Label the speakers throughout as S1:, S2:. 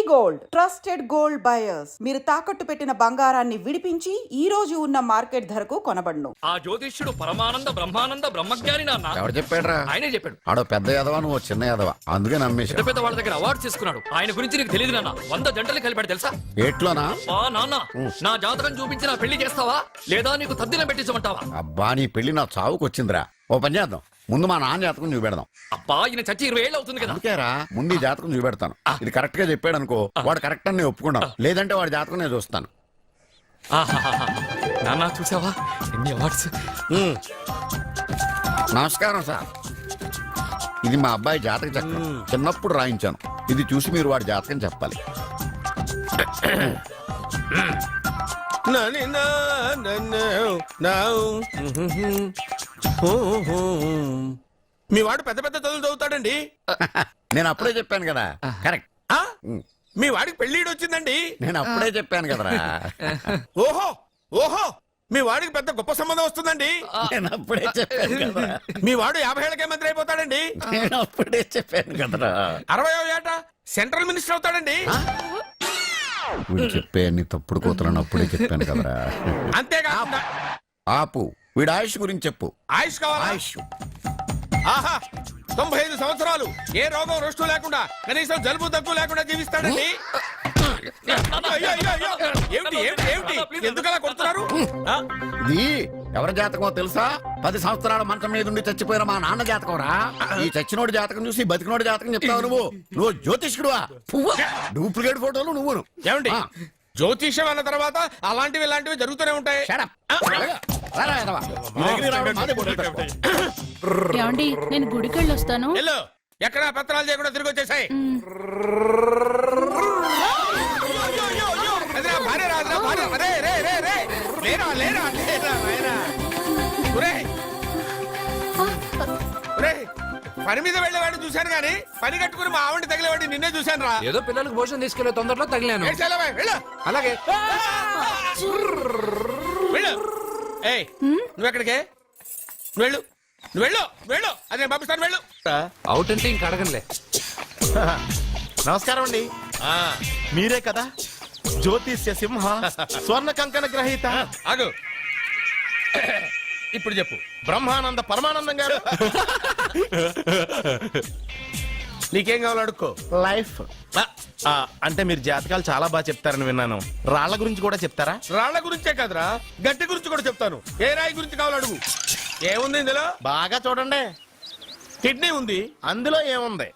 S1: Gold trusted gold buyers మీరు తాకట్టు పెట్టిన బంగారాన్ని విడిపించి ఈ రోజు ఉన్న మార్కెట్ ధరకు కొనబడును.
S2: ఆ జ్యోతిష్యుడు పరమానంద బ్రహ్మానంద బ్రహ్మజ్ఞాని నాన్న.
S3: ఎవరు చెప్పాడ్రా?
S2: ఆయనే చెప్పాడు.
S3: ఆడో పెద్ద యాదవా, నువ్వు చిన్న యాదవా, అందుకే నమ్మేశా.
S2: పెద్ద పెద్ద వాళ్ళ దగ్గర అవార్డు తీసుకున్నాడు. ఆయన గురించి నీకు తెలియదు నాన్న. 100 జంటలు కలిపాడు తెలుసా?
S3: ఏట్లోనా?
S2: నాన్న నా జాతకం చూపించి నా పెళ్లి చేస్తావా లేదా నీకు తద్దినం పెట్టించమంటావా?
S3: అబ్బా, నీ పెళ్లి నా చావుకు వచ్చిందిరా. ఓ పని చేద్దాం, ముందు మా నాన్న జాతకం చూపెడదాం.
S2: అబ్బా ఈయన చచ్చి 20 ఏళ్ళు అవుతుంది కదా.
S3: అందుకేరా ముందు ఈ జాతకం చూపెడతాను. ఇది కరెక్ట్ గా చెప్పాడు అనుకో, వాడు కరెక్ట్ అని నేను ఒప్పుకున్నాను. లేదంటే వాడి జాతకం నేను చూస్తాను.
S2: నాన్న చూసావా ఎన్ని అవార్డ్స్.
S3: నమస్కారం సార్, ఇది మా అబ్బాయి జాతక చక్రం. చిన్నప్పుడు రాయించాను. ఇది చూసి మీరు వాడి జాతకం చెప్పాలి.
S4: మీ వాడు పెద్ద పెద్ద చదువులు చదువుతాడండి.
S3: నేను అప్పుడే చెప్పాను కదా. కరెక్ట్.
S4: మీ వాడికి పెళ్లిడు వచ్చిందండి.
S3: నేను అప్పుడే చెప్పాను కదరా.
S4: ఓహో ఓహో మీ వాడికి పెద్ద గొప్ప సంబంధం వస్తుందండి.
S3: నేను అప్పుడే చెప్పాను కదా.
S4: మీ వాడు 50 ఏళ్ళకే మంత్రి అయిపోతాడండి.
S3: నేను అప్పుడే చెప్పాను కదరా.
S4: 60వ ఏట సెంట్రల్ మినిస్టర్ అవుతాడండి.
S3: వీడు చెప్పే అన్ని తప్పుడు కోతలను అప్పుడే చెప్పాను కదరా.
S4: అంతేకాకుండా
S3: ఆపు, వీడి ఆయుష్ గురించి చెప్పు.
S4: ఆయుష్ కావాలా?
S3: ఆయుష్
S4: ఆహా 95 సంవత్సరాలు ఏ రోగం రుష్టు లేకుండా కనీసం జలుబు దగ్గు లేకుండా జీవిస్తాడండి. అయ్యో, అయ్యో, అయ్యో. ఏమిటి ఏమిటి ఏమిటి ఎందుకలా కొడుతున్నారు?
S3: ఇది ఎవరి జాతకమో తెలుసా? 10 సంవత్సరాల మంచం మీద ఉండి చచ్చిపోయిన మా నాన్న జాతకం రా. ఈ చచ్చినోడి జాతకం చూసి బతికినోడి జాతకం చెప్తావు నువ్వు జ్యోతిష్కుడువా? డూప్లికేట్ ఫోటోలు నువ్వు.
S4: ఏమండి జ్యోతిష్యం అన్న తర్వాత అలాంటివి ఇలాంటివి జరుగుతూనే ఉంటాయి.
S5: ఏమండి నేను గుడికెళ్ళి వస్తాను.
S4: వెళ్ళు, ఎక్కడ పత్రాలు చేయకుండా తిరిగి వచ్చేసాయి. పని మీద వెళ్ళేవాడిని చూశాను గానీ పని కట్టుకుని మా ఆవిడ తగిలేవాడిని నిన్నే చూశాను రా.
S2: ఏదో పిల్లలకు భోజనం తీసుకెళ్లే తొందరలో తగిలాను.
S4: అలాగే వెళ్ళు. ఏయ్ నువ్వెక్కడికే? వెళ్ళు నువ్వు వెళ్ళు వెళ్ళు. అదే పంపిస్తాను, వెళ్ళు.
S2: అవుట్ అంటే ఇంక అడగనులే.
S6: నమస్కారం అండి. మీరే కదా జ్యోతిష్య సింహ స్వర్ణ కంకణ గ్రహీత?
S4: ఆగు, ఇప్పుడు చెప్పు.
S6: బ్రహ్మానంద పరమానందం గారు.
S4: నీకేం కావాలో అడుక్కో.
S6: లైఫ్ అంటే మీరు జాతకాలు చాలా బాగా చెప్తారని విన్నాను. రాళ్ల గురించి కూడా చెప్తారా?
S4: రాళ్ల గురించే కాదురా, గట్టి గురించి కూడా చెప్తాను. ఏ రాయి గురించి కావాలో అడుగు. ఏముంది ఇందులో?
S6: బాగా చూడండి.
S4: కిడ్నీ ఉంది.
S6: అందులో ఏముంది?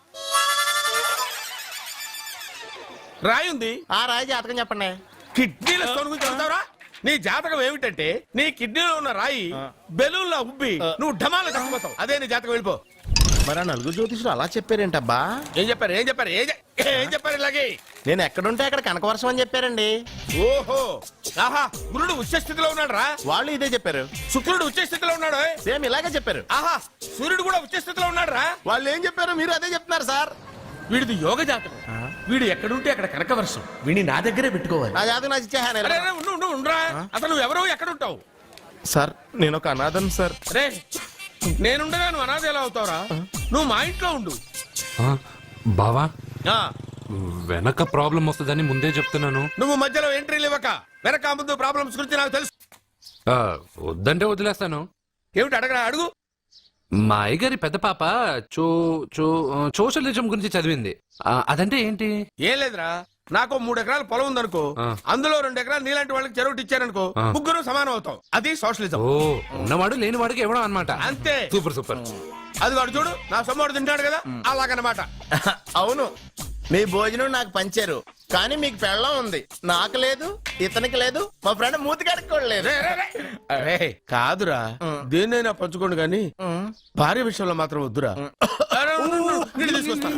S4: రాయి ఉంది.
S6: ఆ రాయి జాతకం చెప్పండి.
S4: కిడ్నీల స్టోన్ గురించి చెప్తావురా? నీ జాతకం ఏమిటంటే నీ కిడ్నీలో ఉన్న రాయి బెలూన్లా ఉబ్బి నువ్వు ఢమాలో చచ్చిపోతావు. అదే నీ జాతకం. వెళ్ళిపో.
S6: మరి ఆ నలుగురు జ్యోతిషులు అలా చెప్పారేంటబ్బా?
S4: ఏం చెప్పారు ఏం చెప్పారు ఏం చెప్పారు ఇలాగే?
S6: నేను ఎక్కడుంటే అక్కడ కనకవర్షం అని చెప్పారండి.
S4: ఓహో ఆహా గురుడు ఉచ్చ స్థితిలో ఉన్నాడు రా.
S6: వాళ్ళు ఇదే చెప్పారు.
S4: శుక్రుడు ఉచ్చ స్థితిలో ఉన్నాడు.
S6: సేమ్ ఇలాగే చెప్పారు.
S4: ఆహా సూర్యుడు కూడా ఉచ్చ స్థితిలో ఉన్నాడు రా.
S6: వాళ్ళు ఏం చెప్పారు మీరు అదే చెప్తున్నారు సార్.
S4: వీడిది యోగ జాతకం. వీడు ఎక్కడుంటే అక్కడ కనకవర్షం. వీడిని నా దగ్గరే పెట్టుకోవాలి.
S6: నా జాతకం నాకు ఇచ్చేహాను.
S4: అరే, అరే, ఉండు, ఉండు, ఉండురా. అసలు నువ్వు ఎవరో ఎక్కడ ఉంటావు?
S6: సార్ నేను ఒక అనాథను సార్.
S4: రే నేనుండగా నువ్వు అనాథ ఎలా అవుతావురా? నువ్వు మా ఇంట్లో ఉండు.
S7: బావా
S4: ఆ,
S7: వెనక ప్రాబ్లం వస్తుందని ముందే చెప్తున్నాను.
S4: నువ్వు మధ్యలో ఎంట్రీలు ఇవ్వక. వెనక ముందు ప్రాబ్లమ్స్ గురించి నాకు తెలుసు.
S7: వద్దంటే వదిలేస్తాను.
S4: ఏమిటి అడగరా? అడుగు.
S7: మా అయ్యగారి పెద్ద పాప సోషలిజం గురించి చదివింది. అదంటే ఏంటి?
S4: ఏం లేదురా, నాకు 3 ఎకరాల పొలం ఉందనుకో. అందులో 2 ఎకరాలు నీలాంటి వాళ్ళకి చెరువు ఇచ్చారనుకో, ముగ్గురు సమానం అవుతాం. అది సోషలిజం.
S7: ఓ ఉన్నవాడు లేని వాడికి ఇవ్వడం అనమాట.
S4: అంతే.
S7: Super super.
S4: అది వాడు చూడు, నా సొమ్మడు తింటాడు కదా, అలాగనమాట.
S6: అవును, మీ భోజనం నాకు పంచారు కానీ మీకు పెళ్ళం ఉంది. నాకు లేదు, ఇతనికి లేదు, మా ఫ్రెండ్ మూతికాడికి కూడా లేదు.
S4: అరే కాదురా, దేన్నైనా పంచుకోండి గాని భార్య విషయంలో మాత్రం వద్దురా. నీళ్ళు తీసుకొస్తా.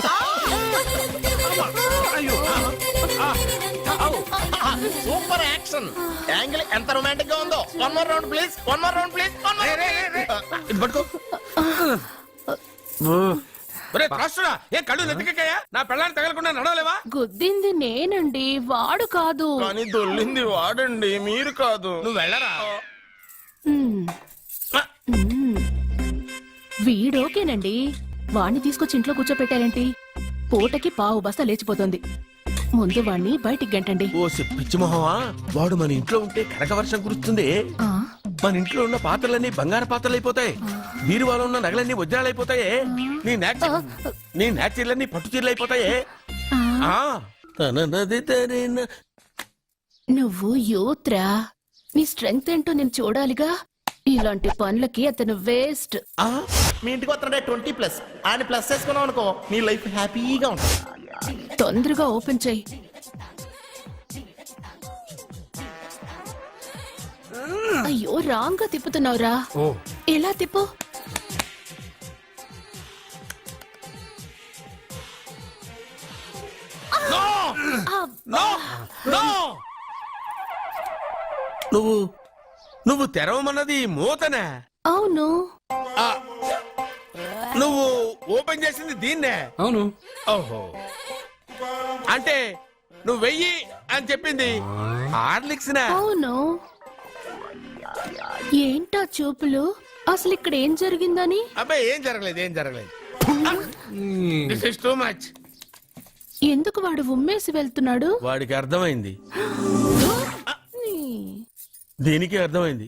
S6: సూపర్ యాక్షన్ యాంగిల్ ఎంత రొమాంటిక్ గా ఉందో. One more round please, one more round please.
S4: ఇది పట్టుకో. ఒరే త్రాసుడా, ఏ కళ్ళు నెత్తికెక్కాయా? నా పెళ్ళాన్ని తగలకుండా నడవలేవా?
S5: గుద్దింది నేనండి, వాడు కాదు.
S6: కానీ దొల్లింది వాడండి, మీరు కాదు.
S4: నువ్వు వెళ్ళరా.
S5: వీడోకేనండి, వాణ్ణి తీసుకొచ్చి ఇంట్లో కూర్చోపెట్టారేంటి? పూటకి పావు బస్తా లేచిపోతుంది. ముందు వాణ్ణి బయటికి గంటండి.
S4: ఓ పిచ్చి మొహమా, వాడు మన ఇంట్లో ఉంటే కనక వర్షం కురుస్తుంది.
S5: ఆ,
S4: మన ఇంట్లో ఉన్న పాత్రలన్నీ బంగారు పాత్రలు అయిపోతాయి, బీరువాలో ఉన్న నగలన్నీ వజ్రాలు అయిపోతాయి, నీ నాచీర్లన్నీ పట్టు చీరలు అయిపోతాయి.
S5: ఆ.
S4: ఆ, తననది తరిన.
S5: నువ్వు యూత్రా, నీ స్ట్రెంగ్త్ ఏంటో నేను చూడాలిగా. ఇలాంటి పనులకి అతను వేస్ట్.
S6: ఆ, మీ ఇంటికి వస్తుంటే 20+ ఆయన ప్లస్ చేసుకున్నావు అనుకో, నీ లైఫ్ హ్యాపీగా ఉంటుంది.
S5: తొందరగా ఓపెన్ చెయ్యి. అయ్యో రాంగ్ గా తిప్పుతున్నావురా. ఎలా తిప్పు?
S4: నువ్వు తెరవమన్నది మూతనే,
S5: అవును.
S4: నువ్వు ఓపెన్ చేసింది దీన్నే.
S7: అవును.
S4: ఓహో, అంటే నువ్వు వెయ్యి అని చెప్పింది హార్లిక్స్ నా?
S5: అవును. ఏంటా చూపులు? అసలు ఇక్కడ ఏం జరిగిందని?
S4: అబ్బాయి ఏం జరగలేదు. This is too much.
S5: ఎందుకు వాడు ఉమ్మేసి వెళ్తున్నాడు?
S4: వాడికి అర్థమైంది, దీనికి అర్థమైంది.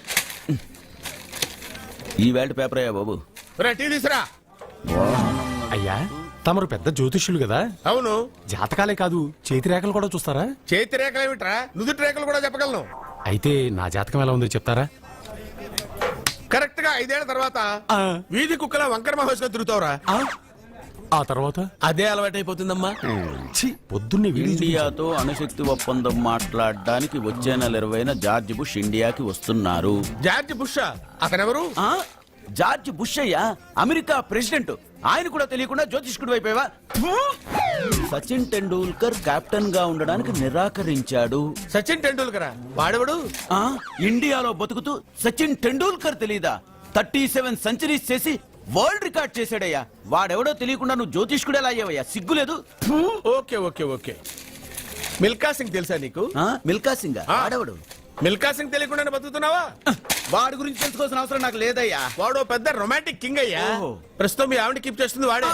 S3: ఈ వేల్ట్ పేపర్ అయ్యా బాబు.
S4: టీ తీసురా.
S8: అయ్యా తమరు పెద్ద జ్యోతిష్యులు కదా,
S4: అవును.
S8: జాతకాలే కాదు చేతి రేఖలు కూడా చూస్తారా?
S4: చేతి రేఖలు ఏమిట్రా, నుదుటి రేఖలు కూడా చెప్పగలను.
S8: అయితే నా జాతకం ఎలా ఉందో చెప్తారా?
S4: కరెక్ట్ గా 5 ఏళ్ల తర్వాత వీధి కుక్కల వంకర మహోత్సవం తిరుగుతావురా.
S8: ఆ తర్వాత
S4: అదే అలవాటైపోతుందమ్మా.
S8: ఛీ, పొద్దున్నే వీడియో
S9: ఇండియాతో అణుశక్తి ఒప్పందం మాట్లాడడానికి వచ్చే నెల 20న జార్జ్ బుష్ ఇండియాకి వస్తున్నారు.
S4: జార్జ్ బుష్ అతనెవరు?
S9: ఆ? జార్జ్ బుష్ అయ్యా, అమెరికా ప్రెసిడెంట్. ఆయన కూడా తెలియకుండా జ్యోతిష్కుడు వైపోయావా? సచిన్ టెండూల్కర్ కెప్టెన్ గా ఉండడానికి నిరాకరించాడు.
S4: సచిన్ టెండూల్కర్ వాడెవడు?
S9: ఆ, ఇండియాలో బతుకుతూ సచిన్ టెండూల్కర్ తెలీదా? 37 సెంచరీస్ చేసి వరల్డ్ రికార్డ్ చేశాడయ్యా. వాడెవడో తెలియకుండా నువ్వు జ్యోతిష్కుడు ఎలా అయ్యావయ్యా? సిగ్గులేదు.
S4: ఓకే. మిల్కా సింగ్ తెలుసా నీకు?
S9: మిల్కా సింగ్ వాడెవడు?
S4: మిల్కా సింగ్ తెలియకుండా బతుకుతున్నావా?
S9: వాడి గురించి తెలుసుకోవాల్సిన అవసరం నాకు లేదయ్యా.
S4: వాడు పెద్ద రొమాంటిక్ కింగ్ అయ్యా. ప్రస్తుతం మీ ఆవిడ కీప్ చేస్తుంది వాడే.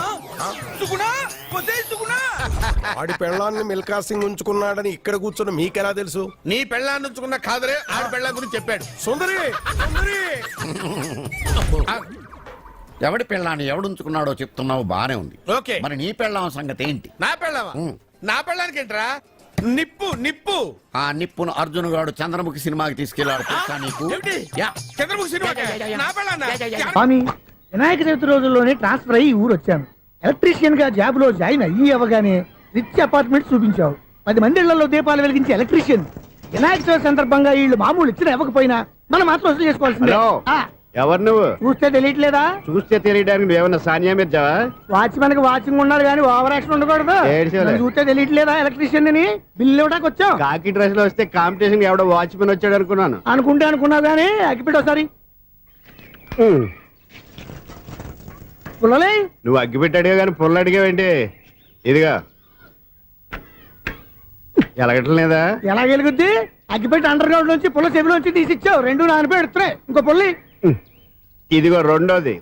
S10: వాడి పెళ్ళాన్ని మిల్కా సింగ్ ఉంచుకున్నాడని ఇక్కడ కూర్చున్న మీకెలా తెలుసు?
S4: నీ పెళ్ళాన్ని ఉంచుకున్న కాదరే ఆడ పెళ్ళాం గురించి చెప్పాడు.
S10: సుందరి
S3: ఎవడి పెళ్ళాన్ని ఎవడుంచుకున్నాడో చెప్తున్నావు బానే ఉంది.
S4: ఓకే,
S3: మరి నీ పెళ్ళాం సంగతి ఏంటి?
S4: నా పెళ్ళావా? నా పెళ్ళానికి ఏంట్రా? నిప్పు.
S3: ఆ నిప్పును అర్జున్ గాడు చంద్రముఖి సినిమాకి తీసుకెళ్లాడు తెలుసా నీకు?
S4: ఏమిటి? చంద్రబాబు సినిమా నా పెళ్ళాన్నా?
S11: స్వామి, వినాయక చవితి రోజుల్లోనే ట్రాన్స్ఫర్ అయ్యి ఊరు వచ్చాను. ఎలక్ట్రీషియన్ గా జాబ్ లో జాయిన్ అయ్యి అవ్వగానే రిచ్ అపార్ట్మెంట్ చూపించావు. 10 మంది ఇళ్లలో దీపాలు వెలిగించే ఎలక్ట్రీషియన్. వినాయక చవితి సందర్భంగా వీళ్ళు మామూలు ఇచ్చినా ఇవ్వకపోయినా మనం మాత్రం వసూలు చేసుకోవాల్సిందే.
S10: ఎవరు నువ్వు?
S11: చూస్తే తెలియట్లేదా?
S10: చూస్తే తెలియడానికి నువ్వేమన్నా సానియా మీర్జావా?
S11: వాచ్మెన్ కి వాచింగ్ ఉండాలి కానీ ఓవర్ యాక్షన్ ఉండకూడదు. నన్ను చూస్తే తెలియట్లేదా ఎలక్ట్రీషియన్ అని? బిల్లు ఇవ్వడానికి వచ్చాం.
S10: కాకి డ్రెస్ లో వస్తే కాంపిటీషన్ ఎవడో వాచ్మెన్ వచ్చాడు అనుకున్నాను.
S11: అనుకున్నావు కానీ అగ్గిపెట్టి ఒకసారి పుల్లలే.
S10: నువ్వు అగ్గి పెట్టాడుగా కానీ పుల్ల అడిగావేంటి? ఇదిగా ఎలగటం లేదా?
S11: ఎలా వెలుగుద్ది? అగ్గిపెట్టి అండర్ గ్రౌండ్ నుంచి పుల్ల చెవిలోంచి తీసి ఇచ్చావు. 2 నానపై ఎడుతున్నాయి. ఇంకో పుల్లి
S10: ఇదిగో రెండోది.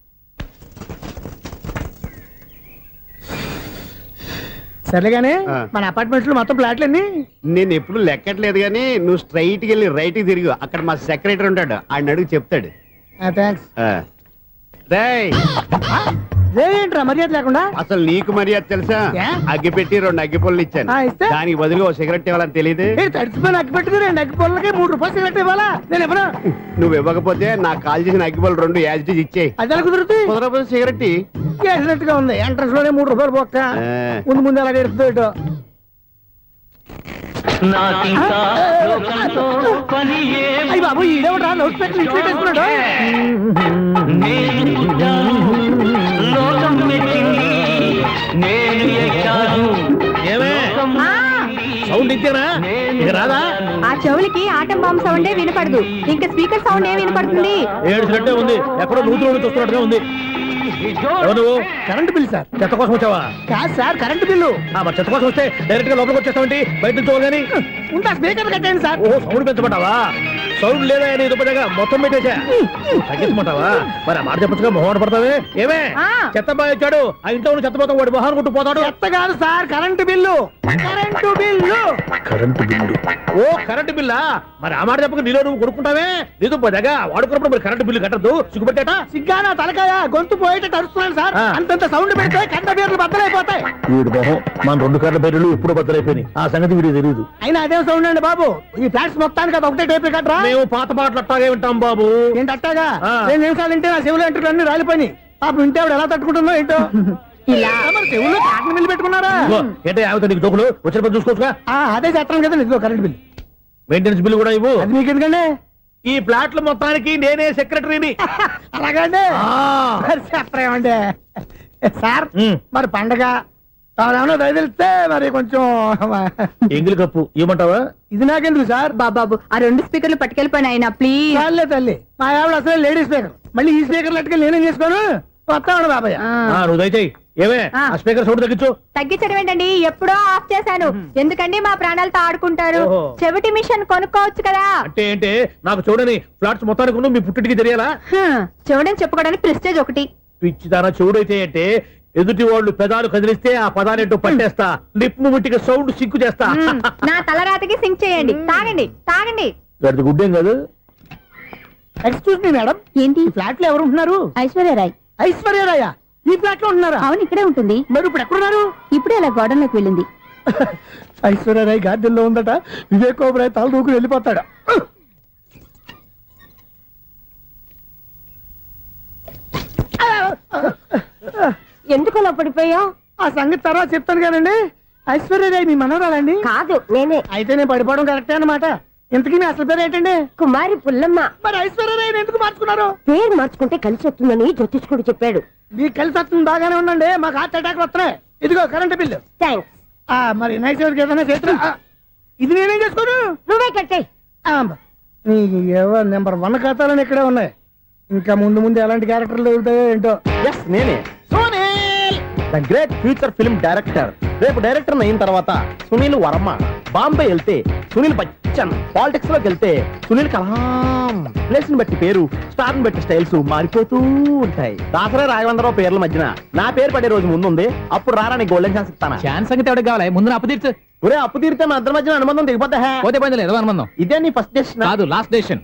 S11: సరేగానే మన అపార్ట్మెంట్స్ లో మొత్తం ఫ్లాట్లు అన్ని
S10: నేను ఎప్పుడు లెక్కట్లేదు కానీ నువ్వు స్ట్రైట్ కి వెళ్ళి రైట్ కి తిరిగి అక్కడ మా సెక్రటరీ ఉంటాడు, ఆయన అడుగు చెప్తాడు.
S11: థ్యాంక్స్.
S10: రేయ్,
S11: ఏంట్రా మర్యాద లేకుండా?
S10: అసలు నీకు మర్యాద తెలుసా? అగ్గి పెట్టి 2 అగ్గి పుల్లలు ఇచ్చాను,
S11: ఇస్తే?
S10: దానికి బదులుగా ఓ సిగరెట్ ఇవ్వాలని తెలియదు.
S11: తడిచిపోయిన అగ్గి పెట్టుకుని 2 అగ్గి పొలకి 3 రూపాయలు సిగరెట్ ఇవ్వాలా? నేను ఎవరు?
S10: నువ్వు ఇవ్వకపోతే నాకు కాల్ చేసిన అగ్గి పుల్లలు 2 యాజిటీస్ ఇచ్చేయి.
S11: అది ఎలా కుదురుతుంది?
S10: కుదరకపోతే సిగరెట్
S11: చేసినట్టుగా ఉంది. ఎంట్రన్స్ లోనే 3 రూపాయలు పోక్క. ముందు అలా ఎడుతుంది. అయ్యి బాబు ఈడేవడా లౌడ్ స్పీకర్ ఇన్స్టేట్ చేసుకున్నాడు.
S10: సౌండ్ ఇచ్చారా? రాదా?
S12: ఆ చెవులకి ఆటం బాంబ్ సౌండే వినపడదు, ఇంకా స్పీకర్ సౌండ్ ఏ వినపడుతుంది?
S10: ఏడ్చినట్టే ఉంది, ఎక్కడో నూతులు చూస్తున్నట్టుగా ఉంది. నువ్వు
S11: కరెంట్ బిల్ సార్.
S10: చెత్త కోసం వచ్చావా?
S11: కాదు సార్, కరెంట్ బిల్లు.
S10: మరి చెత్త కోసం వస్తే డైరెక్ట్ గా లోపలికి వచ్చేస్తావంటి, బయట నుంచి కానీ
S11: ఉంటా. స్పీకర్ కట్టండి సార్.
S10: ఓ సౌండ్ పెంచమంటావా? సౌండ్ లేదా నీ దుప్పటగా మొత్తం పెట్టేసా. తగ్గించమంటావా? మరి ఆ మాట చెప్పచ్చుగా, మొహమాట పడతావే. ఏమే చెత్త బాగా వచ్చాడు, ఆ ఇంట్లో చెత్త పోతాం, వాడు మొహాన్ని కొట్టు పోతాడు.
S11: చెత్త కాదు sir, current bill. Current bill.
S10: Current bill. ఓ కరెంటు బిల్లా? మరి ఆ మాట చెప్పక నీలో నువ్వు కొడుకుంటావే. నీతో పోదాగా వాడుకున్నప్పుడు మరి కరెంటు బిల్లు కట్టద్దు, సిగ్గుపెట్టేట.
S11: సిగ్గానా తలకాయ గొంతు పోయేటట్టు అరుస్తున్నాను సార్. అంతంత సౌండ్ పెడితే కంట బీర్లు బద్దలైపోతాయి.
S10: వీడు మొహం మన 2 కర్ల బెర్రెలు ఎప్పుడు బద్దలైపోయినాయి. ఆ సంగతి వీడికి తెలియదు.
S11: అయినా అదే సౌండ్ అండి బాబు. ఈ ఫ్లాట్స్ మొత్తానికి అది ఒకటే టేప్ కట్టరా?
S10: మేము పాత పాటలు అట్టాగే వింటాం బాబు.
S11: ఏంటి అట్టాగా?
S10: ఆ.
S11: 2 నిమిషాలు వింటే నా చెవులు ఎంటర్ అన్ని రాలిపోయినాయి. పాపం వింటే ఆవిడ ఎలా తట్టుకుంటుందో ఏంటో. ఇలా మరి చెవుల్లో కాటన్ బిల్లు పెట్టుకున్నారా?
S10: ఇదిగో, ఏంటే ఆమెతో నీకు దోకులు వచ్చిన పని చూసుకోవచ్చుగా.
S11: అదే చేస్తాను కదా. ఇదిగో కరెంట్ బిల్.
S10: మెయింటెనెన్స్ బిల్లు కూడా ఇవ్వు.
S11: అది మీకు ఎందుకండి?
S10: ఈ ప్లాట్ల మొత్తానికి నేనే సెక్రటరీని.
S11: అలాగండి. మరి చెప్పరేమండి సార్. మరి పండగ ఏమన్నా దయదలిస్తే మరి కొంచెం
S10: ఎంగిలి కప్పు ఇవ్వమంటావా?
S11: ఇది నాకెందుకు సార్?
S12: బాబాబు ఆ 2 స్పీకర్లు పట్టుకెళ్ళిపోయిన ఆయన ప్లీజ్.
S11: చాలే తల్లి, మా ఆవిడ అసలు లేడీ స్పీకర్. మళ్ళీ ఈ స్పీకర్ లెట్టుకెళ్ళి నేనేం చేసుకోను. వస్తాడు బాబాయ్.
S10: నువ్వు దయచేయి. ఏమే ఆ స్పీకర్ సౌండ్ తగ్గించు.
S12: తగ్గించడం ఏంటండి, ఎప్పుడో ఆఫ్ చేశాను. ఎందుకండి మా ప్రాణాలతో ఆడుకుంటారు?
S10: ఓహో.
S12: చెవిటి మిషన్ కొనుక్కోవచ్చు కదా.
S10: అంటే ఏంటే నాకు చూడని ఫ్లాట్స్ మొత్తానికి ఉన్న మీ పుట్టింటికి తెలియాలా?
S12: చెవిడని చెప్పుకోవడానికి ప్రెస్టేజ్ ఒకటి.
S10: పిచ్చిదాన చెవుడైతే అంటే ఎదుటి వాళ్ళు పెదాలు కదిలిస్తే ఆ పదాలేంటో పట్టేస్తా. లిప్ ముట్టికి సౌండ్ సింకు చేస్తా.
S12: నా తలరాతకి సింక్ చేయండి. తాగండి తాగండి.
S10: గడిది గుడ్డేం కాదు.
S11: ఎక్స్క్యూజ్ మీ మేడం,
S12: ఏంటి?
S11: ఈ ఫ్లాట్ లో ఎవరు ఉంటున్నారు?
S12: ఐశ్వర్యరాయ్.
S11: ఐశ్వర్యరాయ ఈ ఫ్లాట్ లో ఉంటున్నారా?
S12: అవును, ఇక్కడే ఉంటుంది.
S11: మరి ఇప్పుడు ఎక్కడున్నారు?
S12: ఇప్పుడే అలా గోడంలోకి వెళ్ళింది.
S11: ఐశ్వర్యరాయ్ గార్డెన్ లో ఉందట. వివేక్ ఓబరాయ్ తల దూకుని వెళ్ళిపోతాడు.
S12: ఎందుకు అలా పడిపోయావు?
S11: ఆ సంగతి తర్వాత చెప్తాను కానండి. ఐశ్వర్యరాయ్ మీ మనవరాలండి?
S12: కాదు, నేనే.
S11: అయితే నేను పడిపోవడం కరెక్టే అన్నమాట. ఇంతకీ మీ అసలు పేరు ఏంటండి?
S12: కుమారి పుల్లమ్మ.
S11: మరి ఐశ్వర్యరాయ్ ఎందుకు మార్చుకున్నారు?
S12: పేరు మార్చుకుంటే కలిసి వస్తుందని జ్యోతిష్కుడు చెప్పాడు.
S11: మీకు కలిసి వస్తుంది బాగానే ఉండండి. మాకు హార్ట్ అటాక్ వస్తున్నాయి. ఇదిగో కరెంట్ బిల్లు.
S12: థ్యాంక్స్.
S11: మరి నైట్ ఏదైనా చేతున్నా ఇది నేనేం చేసుకోను.
S12: నువ్వే కట్టే.
S11: నీకు ఎవరు నెంబర్ 1 ఖాతాలని ఇక్కడే ఉన్నాయి. ఇంకా ముందు ముందు ఎలాంటి క్యారెక్టర్లు దొరుకుతాయో ఏంటో.
S6: నేనే the great future film director. రేపు డైరెక్టర్ అయిన తర్వాత సునీల్ వర్మ. బాంబే వెళ్తే సునీల్ బచ్చన్. పాలిటిక్స్ లోకి వెళ్తే సునీల్ కలాం. ప్లేస్ ని బట్టి పేరు, స్టార్ ని బట్టి స్టైల్స్ మారిపోతూ ఉంటాయి. దాసరా రాఘవేంద్రరావు పేర్ల మధ్యన నా పేరు పడే రోజు ముందుంది. అప్పుడు రారా నీ గోల్డెన్ ఛాన్స్ ఇస్తానా?
S9: ఛాన్స్ సంగతి ఎవరికి కావాలి? ముందు అప్పు తీర్చు.
S6: ఒరే అప్పు తీరితే మన ఇద్దరి మధ్యన అనుబంధం దిగిపోతా.
S9: పోతే పోయింది లేదు అనుబంధం.
S6: ఇదే నీ ఫస్ట్ డెస్టినేషన్
S9: కాదు, లాస్ట్ డెసిషన్.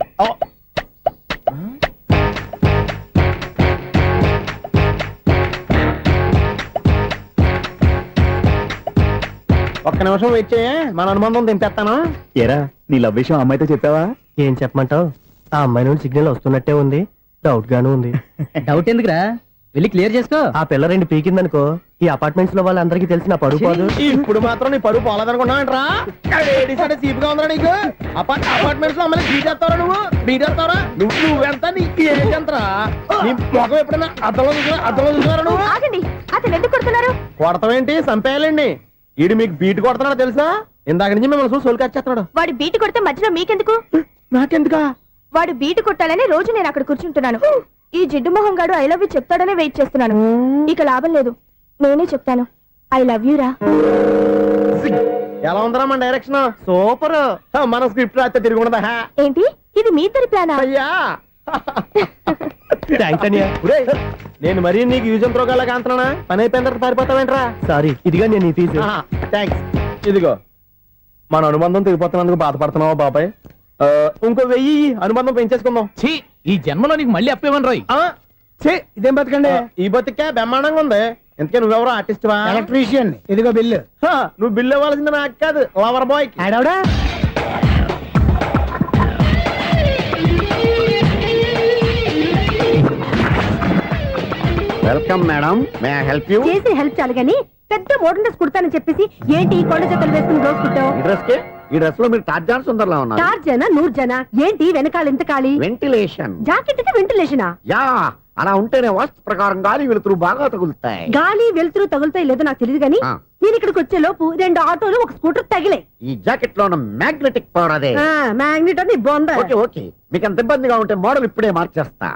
S6: ఒక్క నిమిషం వెయిట్ చేయ, మన అనుబంధం దింపేస్తాను.
S9: ఏరా నీ లవ్ విషయం అమ్మాయితో చెప్పావా?
S6: ఏం చెప్పమంటావు? ఆ అమ్మాయి నుండి సిగ్నల్ వస్తున్నట్టే ఉంది. డౌట్ గాను ఉంది.
S9: డౌట్ ఎందుకురా, వెళ్ళి క్లియర్ చేసుకో.
S6: ఆ పిల్ల 2 పీకిందనుకో, ఈ అపార్ట్మెంట్స్ లో వాళ్ళందరికీ తెలిసిన పరువు పోదు. ఇప్పుడు మాత్రం నీ పరువు పోలేదనుకున్నావంటరా? సీపుగా ఉందా నీకు? అపార్ట్మెంట్స్ లో అమ్మని బీటేస్తారా? నువ్వెంత నీకు ఏంటంతరా? నీ ముఖం ఎప్పుడైనా అద్దంలో చూసారా నువ్వు?
S12: ఆగండి, అతను ఎందుకు కొడుతున్నారు?
S6: కొడతావేంటి? చంపేయాలండి. ఈడు మీకు బీట్ కొడుతున్నాడు తెలుసా? ఇందాక నుంచి మిమ్మల్ని చూసి సోలు కచ్చేస్తున్నాడు.
S12: వాడు బీటు కొడితే మధ్యలో మీకెందుకు?
S6: నాకెందుకా?
S12: వాడు బీటు కొట్టాలని రోజు నేను అక్కడ కూర్చుంటున్నాను. ఈ జిడ్డు మొహం గాడు ఐ లవ్ యూ చెప్తాడనే వెయిట్ చేస్తున్నాను. ఇక లాభం లేదు, నేనే చెప్తాను. ఐ లవ్ యూ రా.
S6: ఎలా ఉందరా మన డైరెక్షన్? సూపర్. మన స్క్రిప్ట్ రాస్తే తిరిగి ఉండదా?
S12: ఏంటి ఇది మీ ఇద్దరి ప్లానా?
S6: అయ్యా నేను మరీ నీకు యూజ్ ఎంతో గల కాంతనా? పని అయిపోయిన తర్వాత పారిపోతావేంట్రా? సారీ, ఇదిగా నేను ఫీజు. థ్యాంక్స్. ఇదిగో మన అనుబంధం తెగిపోతున్నందుకు బాధపడుతున్నావా బాబాయ్? ఇంకో 1000 అనుబంధం పెంచేసుకుందాం.
S9: ఈ జన్మలో నీకు మళ్ళీ అప్పేమని రాయి.
S11: ఇదేం బతకండి.
S6: ఈ బతికే బ్రహ్మాండంగా ఉంది. ఎందుకే నువ్వెవరో ఆర్టిస్ట్ వా?
S11: ఎలక్ట్రీషియన్. ఇదిగో బిల్లు.
S6: నువ్వు బిల్లు ఇవ్వాల్సింది నాకు కాదు, లవర్ బాయ్.
S11: ఆడవడా?
S3: Welcome madam, may I help you?
S12: చేసి హెల్ప్ చాలు గాని పెద్ద మోడల్ డ్రెస్ కుడతానని చెప్పేసి ఏంటి ఈ కొండ జతలు వేసుకుని రోజు కుట్టావు?
S3: ఈ డ్రెస్ లో మీరు టార్జాన్ సుందర్లా ఉన్నారు.
S12: 4 జన 100 జన ఏంటి వెనకాల ఇంత ఖాళీ?
S3: వెంటిలేషన్.
S12: జాకెట్ కి వెంటిలేషనా?
S3: యా, అలా ఉంటేనే వాస్తు ప్రకారం గాలి వెలుతురు బాగా తగులుతాయి.
S12: గాలి వెలుతురు తగులుతాయి లేదో నాకు తెలియదు గానీ నేను ఇక్కడికి వచ్చే లోపు 2 ఆటోలు 1 స్కూటర్ తగిలే.
S3: ఈ జాకెట్ లో ఉన్న మ్యాగ్నెటిక్ పవర్ అదే.
S12: మ్యాగ్నెట్ అని బొంద.
S3: ఓకే ఓకే, మీకు అంత ఇబ్బందిగా ఉంటే మోడల్ ఇప్పుడే మార్చేస్తా.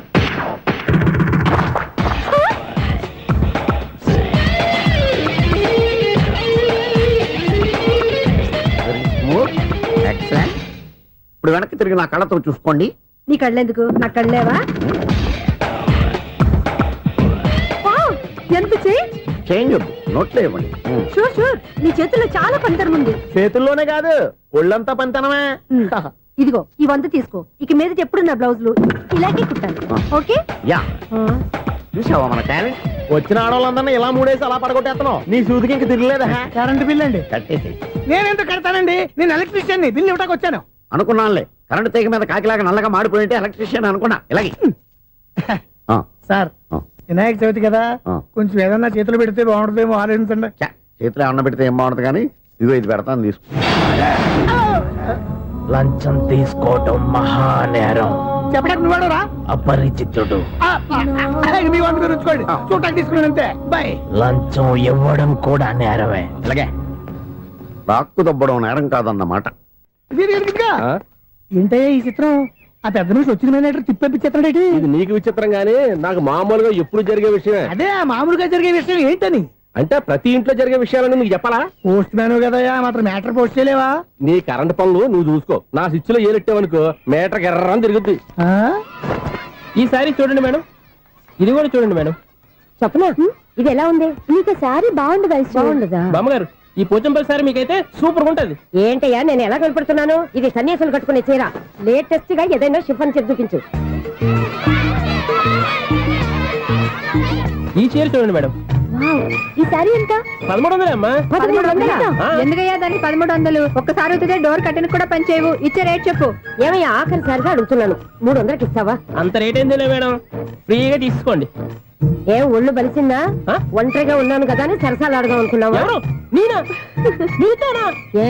S3: ఎక్సలెంట్. ఇప్పుడు వెనక్కి తిరిగి నా కళ్ళతో చూసుకోండి.
S12: నీ కళ్ళెందుకు? నా కళ్ళేవా? ఎంత
S3: చేంజ్ వద్దు, నోట్లో ఇవ్వండి.
S12: షూర్ షూర్ నీ చేతుల్లో చాలా పంతరం ఉంది.
S6: చేతుల్లోనే కాదు ఒళ్ళంతా పంతనమే.
S12: ఇదిగో ఈ 100 తీసుకో. ఇక మీద ఎప్పుడు నా బ్లౌజులు ఇలాగే కుట్టాలి. ఓకే
S6: యా చూసావా మన టాలెంట్? వచ్చిన ఆడవాళ్ళందరినీ ఇలా మూడేసి అలా పడగొట్టేస్తున్నావు. నీ సూదికి ఇంక తిరగలేదా?
S11: కరెంట్ బిల్ అండి.
S6: కట్టేసి
S11: నేనెందుకు కడతానండి? నేను ఎలక్ట్రీషియన్ ని. బిల్ ఇవ్వడానికి వచ్చాను.
S3: అనుకున్నానులే, కరెంట్ తీగ మీద కాకిలాగా నల్లగా మాడిపోయింటే ఎలక్ట్రీషియన్ అనుకున్నా. ఇలాగే ఆ,
S11: సార్
S3: ఆ.
S11: వినాయక చవితి కదా,
S3: ఆ.
S11: కొంచెం ఏదన్నా చేతులు పెడితే బాగుంటుందేమో ఆలోచించండి.
S3: ఛ, చేతిలో అన్నం పెడితే ఏం బాగుంటుంది కానీ ఇదిగో ఇది పెడతాను తీసుకో.
S6: లంచం తీసుకోవటం మహానేరం.
S11: చెప్పడానికి నువ్వాడరా?
S6: అపరిచితుడు.
S11: మీ వంట మీరు ఉంచుకోండి. చూడటానికి తీసుకున్నాను అంతే. బాయ్.
S6: లంచం ఇవ్వడం కూడా నేరమే.
S3: ఇలాగే రాక్కు దబ్బడం నేరం కాదన్నమాట.
S11: ఏంటయ్యా ఈ చిత్రం? ఆ పెద్ద నుంచి వచ్చిన మేనేటర్ తిప్పించేస్తాడేటి?
S6: ఇది నీకు విచిత్రం గానీ నాకు మామూలుగా ఎప్పుడు జరిగే విషయమే.
S11: అదే ఆ మామూలుగా జరిగే విషయం ఏంటని?
S6: అంటే ప్రతి ఇంట్లో జరిగే విషయాలని నీకు చెప్పాలా?
S11: పోస్ట్ మ్యాన్ కదయ్యా, మాత్రం మ్యాటర్ పోస్ట్ చేయలేవా?
S6: నీ కరెంట్ పనులు నువ్వు చూసుకో. నా స్విచ్ లో ఏలెట్టావనుకో మీటర్ ఎర్రని తిరుగుద్ది. ఈసారి చూడండి మేడం, ఇది కూడా చూడండి మేడం.
S12: చెప్పనా ఇది ఎలా ఉంది? నీకు సారీ బాగుండదా? బాగుండదా?
S6: బామ్మగారు ఈ పోచంపల్లి సారీ మీకైతే సూపర్ ఉంటది.
S12: ఏంటయ్యా నేను ఎలా కనపడుతున్నాను? ఇది సన్యాసులు కట్టుకునే చీర. లేటెస్ట్ గా ఏదైనా షిఫాన్ చేసి చూపించు.
S6: ఈ చీర చూడండి మేడం,
S12: ఈ సారీ ఎంత?
S6: 1300 అమ్మా.
S12: 1300?
S6: ఆ.
S12: ఎందుకయ్యా దానికి 1300? ఒక్కసారి అవుతుందే డోర్ కట్టను కూడా పనిచేయవు. ఇచ్చే రేట్ చెప్పు. ఏమయ్యా ఆఖరిసారిగా అడుగుతున్నాను, 300కి ఇస్తావా?
S6: అంత రేట్ ఏందిలే మేడం, ఫ్రీగా తీసుకోండి.
S12: ఏం ఒళ్ళు బలిసిందా?
S6: ఆ?
S12: ఒంటరిగా ఉన్నాను కదా అని సరసాలు అడగా అనుకున్నావా?
S6: ఎవరు? నేనా? నీతోనా?
S12: ఏ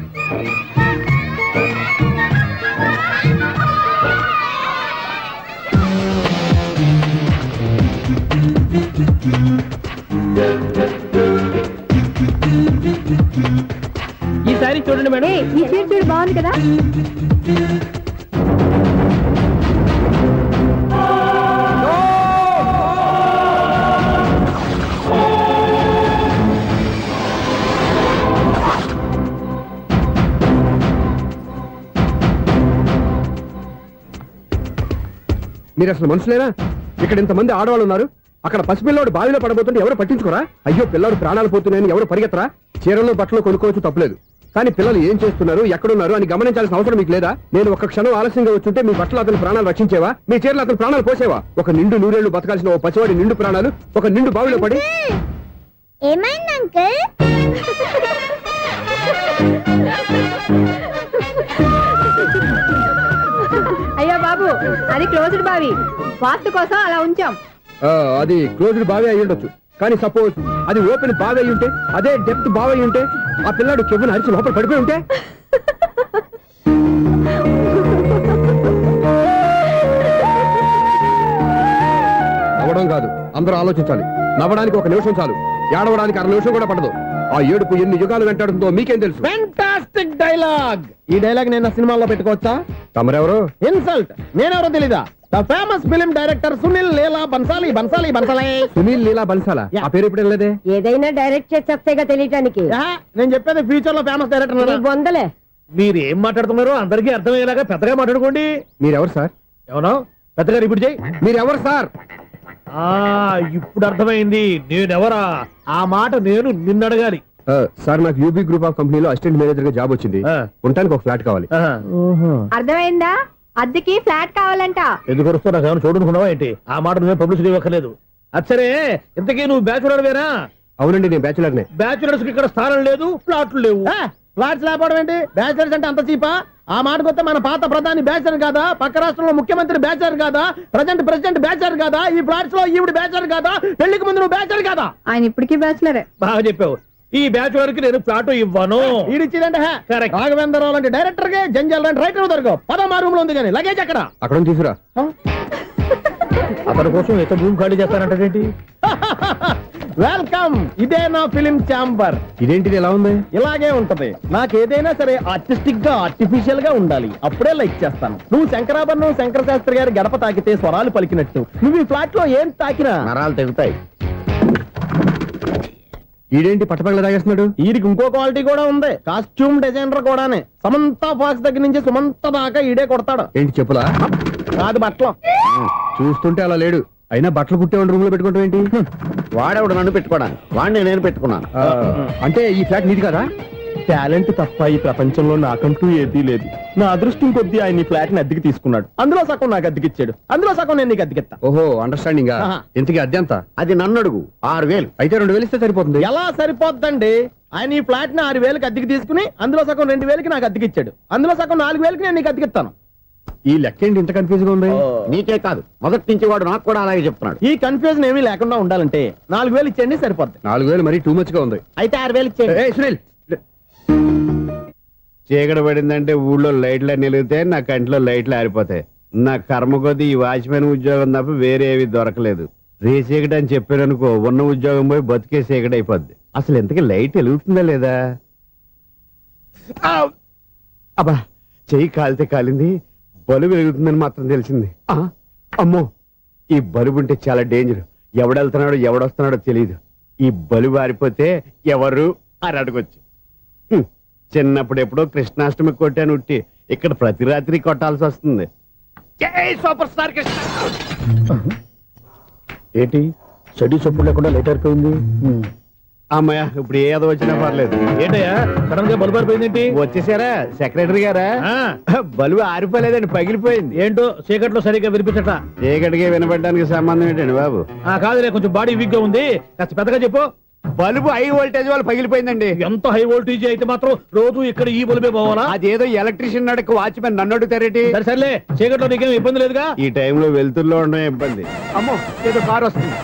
S6: ఈ సారీ చూడండి మేడం.
S12: ఈ చీర చూడు బాగుంది కదా?
S6: మీరు అసలు మనుషులేనా? ఇక్కడ ఇంతమంది ఆడవాళ్ళు ఉన్నారు, అక్కడ పసిపిల్లాడు బావిలో పడబోతుంటే ఎవరు పట్టించుకోరా? అయ్యో పిల్లాడు ప్రాణాలు పోతున్నాయని ఎవరు పరిగెత్తరా? చీరలు బట్టలు కొనుక్కోవచ్చు తప్పలేదు, కానీ పిల్లలు ఏం చేస్తున్నారు ఎక్కడున్నారు అని గమనించాల్సిన అవసరం మీకు లేదా? నేను ఒక క్షణం ఆలస్యంగా వచ్చుంటే మీ బట్టలు అతని ప్రాణాలు రక్షించేవా? మీ చీరలు అతని ప్రాణాలు పోసేవా? ఒక నిండు నూరేళ్లు బతకాల్సిన ఓ పసివాడి నిండు ప్రాణాలు ఒక నిండు బావిలో పడి.
S12: ఏమైంది అంకుల్? అయ్యో బాబు, అది క్లోజ్డ్ బావి, వాస్తు కోసం అలా ఉంచాం.
S6: అది క్లోజ్డ్ బావి అయి ఉండొచ్చు, కానీ సపోజ్ అది ఓపెన్ బావి అయి ఉంటే, అదే డెప్త్ బావి అయి ఉంటే, ఆ పిల్లాడు కెవ్వును అరిచి లోపల పడిపోయి ఉంటే? నవ్వడం కాదు, అందరూ ఆలోచించాలి. నవ్వడానికి ఒక నిమిషం చాలు, ఏడవడానికి 1/2 నిమిషం కూడా పడదు. ఆ ఏడుపు ఎన్ని యుగాలు వెంటాడుతుందో మీకేం తెలుసు? Fantastic dialogue. ఈ డైలాగ్ నేను సినిమాలో పెట్టుకోవచ్చా? తమరెవరు? ఇన్సల్ట్. నేనెవరో తెలీదా? The famous film director Sunil Leela Bhansali. Sunil Leela బన్సాలా? ఆ పేరు ఇప్పుడు లేదే.
S12: ఏదైనా డైరెక్ట్ చేసేస్తేగా తెలియటానికి.
S6: నేను చెప్పేది ఫ్యూచర్ లో ఫేమస్ డైరెక్టర్.
S12: వందలే.
S6: మీరు ఏం మాట్లాడుతున్నారో అందరికీ అర్థమయ్యేలాగా పెద్దగా మాట్లాడుకోండి. మీరెవరు సార్? ఎవరో పెద్దగా రిపీట్ చేయి. మీరెవరు సార్? ఇప్పుడు అర్థమైంది నేనెవరా. ఆ మాట నేను నిన్నడగాలి. సార్ నాకు యూబీ గ్రూప్ ఆఫ్ కంపెనీలో అసిస్టెంట్ మేనేజర్ గా జాబ్ వచ్చింది. ఉండటానికి ఒక ఫ్లాట్ కావాలి.
S12: అర్థమైందా? అద్దెకి ఫ్లాట్ కావాలంట.
S6: ఎందుకు వస్తున్నా నాకు ఏమైనా చూడనుకున్నావా ఏంటి? ఆ మాట నువ్వే పబ్లిసిటీ ఇవ్వక్కర్లేదు. అచ్చరే ఇంతకీ నువ్వు బ్యాచులర్ వేరా? అవునండి నేను బ్యాచులర్ నే. బ్యాచులర్స్ కి ఇక్కడ స్థానం లేదు, ఫ్లాట్లు లేవు. ఫ్లాట్స్ లేకపోవడం ఏంటి? బ్యాచులర్స్ అంటే అంత చీపా? ఆ మాటకొస్తే మన పాత ప్రధాని బ్యాచర్ కాదా? పక్క రాష్ట్రంలో ముఖ్యమంత్రి బ్యాచర్ కాదా? ప్రెసిడెంట్ బ్యాచర్ కాదా? ఈ ఫ్లాట్స్ లో ఈవిడ బ్యాచర్ కాదా? పెళ్లికి ముందు నువ్వు బ్యాచర్ కాదా?
S12: ఆయన ఇప్పటికీ బ్యాచులరే.
S6: బాగా చెప్పావు. ఈ బ్యాచులర్ కి నేను ఫ్లాట్ ఇవ్వను. ఇడిచిందంటే రాఘవేంద్రరావు లాంటి డైరెక్టర్ కి జంజల్ లాంటి రైటర్ దొరకవు. పదమా రూమ్ లో ఉంది కానీ లగేజ్ అక్కడ తీసుకురా. అతని కోసం ఎంత రూమ్ ఖాళీ చేస్తానంటే వెల్కమ్. ఇదే నా ఫిలిం ఛాంబర్. ఇదేంటిది ఎలా ఉంది? ఇలాగే ఉంటది. నాకు ఏదైనా సరే ఆర్టిస్టిక్ గా ఆర్టిఫిషియల్ గా ఉండాలి, అప్పుడే లైక్ చేస్తాను. నువ్వు శంకరాభరణం శంకర శాస్త్రి గారి గడప తాకితే స్వరాలు పలికినట్టు నువ్వు ఈ ఫ్లాట్ లో ఏం తాకినా నరాలు తెగుతాయి. ఈడేంటి పట్టపగల తాగేస్తున్నాడు? ఈడికి ఇంకో క్వాలిటీ కూడా ఉంది, కాస్ట్యూమ్ డిజైనర్ కూడానే. సమంత ఫాక్స్ దగ్గర నుంచి సుమంత దాకా ఈడే కొడతాడు. ఏంటి చెప్పులా? కాదు బట్టలు. చూస్తుంటే అలా లేడు. అయినా బట్టలు కుట్టేవాడి రూమ్ లో పెట్టుకుంటాం ఏంటి?
S3: వాడేవాడు నన్ను పెట్టుకోవడానికి వాడిని నేను పెట్టుకున్నాను.
S6: అంటే ఈ ఫ్లాట్ నీది కదా? టాలెంట్ తప్ప ఈ ప్రపంచంలో నాకంటూ ఏదీ లేదు. నా అదృష్టం కొద్దీ ఆయన ఈ ఫ్లాట్ ని అద్దెకి తీసుకున్నాడు. అందులో సగం నాకు అద్దెకిచ్చాడు, అందులో సగం నేను నీకు అద్దెకిస్తా. ఓహో, అండర్స్టాండింగ్. ఇంతకీ అద్దె ఎంత?
S3: అది నన్ను అడుగు. 6,000.
S6: అయితే 2,000 ఇస్తే సరిపోతుంది. ఎలా సరిపోద్దండి? ఆయన ఈ ఫ్లాట్ ని 6,000కి అద్దెకి తీసుకుని అందులో సగం 2,000కి నాకు అద్దెకిచ్చాడు, అందులో సగం 4,000కి నేను నీకు అద్దెకిస్తాను. ఈ లెక్క ఏంటి ఇంత కన్ఫ్యూజ్ గా ఉంది?
S3: నీకే కాదు, మొదటి నుంచి వాడు నాకు కూడా అలాగే చెప్తున్నాడు.
S6: ఈ కన్ఫ్యూజన్ ఏమీ లేకుండా ఉండాలంటే 4,000 ఇచ్చేయండి, సరిపోద్ది. 4,000 మరీ టూ మచ్ గా ఉంది. అయితే 6,000 ఇచ్చేయండి. సునీల్,
S3: చీకటి పడిందంటే ఊళ్ళో లైట్లు నిలిగితే నా కంట్లో లైట్లు ఆరిపోతాయి. నా కర్మ కొద్దీ ఈ వాచ్మెన్ ఉద్యోగం తప్ప వేరే ఏవి దొరకలేదు. రేచీకటి అని చెప్పారనుకో, ఉన్న ఉద్యోగం పోయి బతికే చీకటి అయిపోద్ది. అసలు ఎంతకీ లైట్ వెలుగుతుందా లేదా? అబ్బా, చెయ్యి కాలితే కాలింది, బలుబు వెలుగుతుందని మాత్రం తెలిసింది. అమ్మో, ఈ బలుబు ఉంటే చాలా డేంజర్. ఎవడెళ్తున్నాడో ఎవడొస్తున్నాడో తెలియదు. ఈ బలుబు ఆరిపోతే ఎవరు అని అడగొచ్చు. చిన్నప్పుడు ఎప్పుడో కృష్ణాష్టమి కొట్టాను ఉట్టి, ఇక్కడ ప్రతి రాత్రి కొట్టాల్సి వస్తుంది. Super star Krishna.
S6: ఏంటి చెడు చప్పుడు లేకుండా లేట్ అయిపోయింది?
S3: అమ్మయ్య, ఇప్పుడు ఏదో వచ్చినా పర్లేదు.
S6: ఏంటయ్యా సడన్ గా బల్బు ఆరిపోయిందేంటి?
S3: వచ్చేసారా సెక్రటరీ గారా? బలుబు ఆరిపోలేదండి, పగిలిపోయింది.
S6: ఏంటో చీకట్లో సరిగ్గా వినిపించట.
S3: చీకటికి వినపడడానికి సంబంధం ఏంటండి బాబు?
S6: కాదులే, కొంచెం బాడీ వీక్ గా ఉంది, కాస్త పెద్దగా చెప్పు.
S3: బల్బు హై వోల్టేజ్ వాళ్ళు పగిలిపోయిందండి.
S6: ఎంత హై వోల్టేజ్ అయితే మాత్రం రోజు ఇక్కడ ఈ బల్బే పోవాలా?
S3: అదేదో ఎలక్ట్రీషియన్ నడక వాచ్మెన్ నన్ను అడుగుతారేటి?
S6: సరే సర్లే, చీకట్లో నీకేం ఇబ్బంది లేదుగా?
S3: ఈ టైంలో వెళ్తుల్లో ఉండడం ఇబ్బంది. అమ్మో, ఏదో కారు వస్తుంది.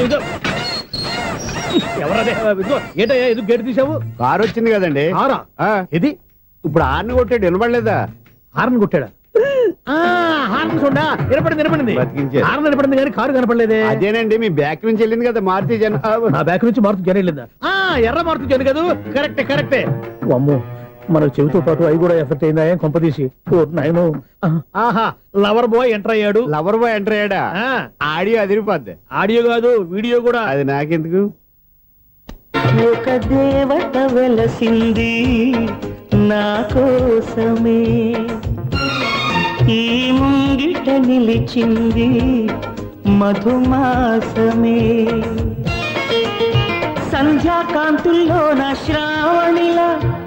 S6: ఎవరదే? ఏంటయ్యా ఎందుకు గేట్ తీసావు?
S3: కారు వచ్చింది కదండి.
S6: ఆరా ఇది
S3: ఇప్పుడు హార్న్ కొట్టాడు, వినపడలేదా?
S6: హార్న్ కొట్టాడా? హార్న్ చూడా వినపడింది.
S3: బతికించారు.
S6: హార్న్ వినపడింది కానీ కారు కనపడలేదే.
S3: అదేనండి, మీ బ్యాక్ నుంచి వెళ్ళింది కదా మారుతి జన.
S6: నా బ్యాక్ నుంచి మారుతి జన వెళ్ళిందా? ఎర్ర మారుతి జన కదా? కరెక్టే. అమ్మో, మనకు చెవితో పాటు అవి కూడా ఎఫెక్ట్ అయిందా? ఏం కొంపదీసి నాయను. ఆహా, లవర్ బాయ్ ఎంటర్ అయ్యాడు.
S3: లవర్ బాయ్ ఎంటర్ అయ్యాడా? ఆడియో అదిరిపోద్ది.
S6: ఆడియో కాదు, వీడియో కూడా.
S3: అది నాకెందుకు?
S11: ఒక దేవత వెలసింది నా కోసమే, ఈ ముంగిట నిలిచింది మధుమాసమే, సంధ్యాకాంతుల్లో నా శ్రావణిలా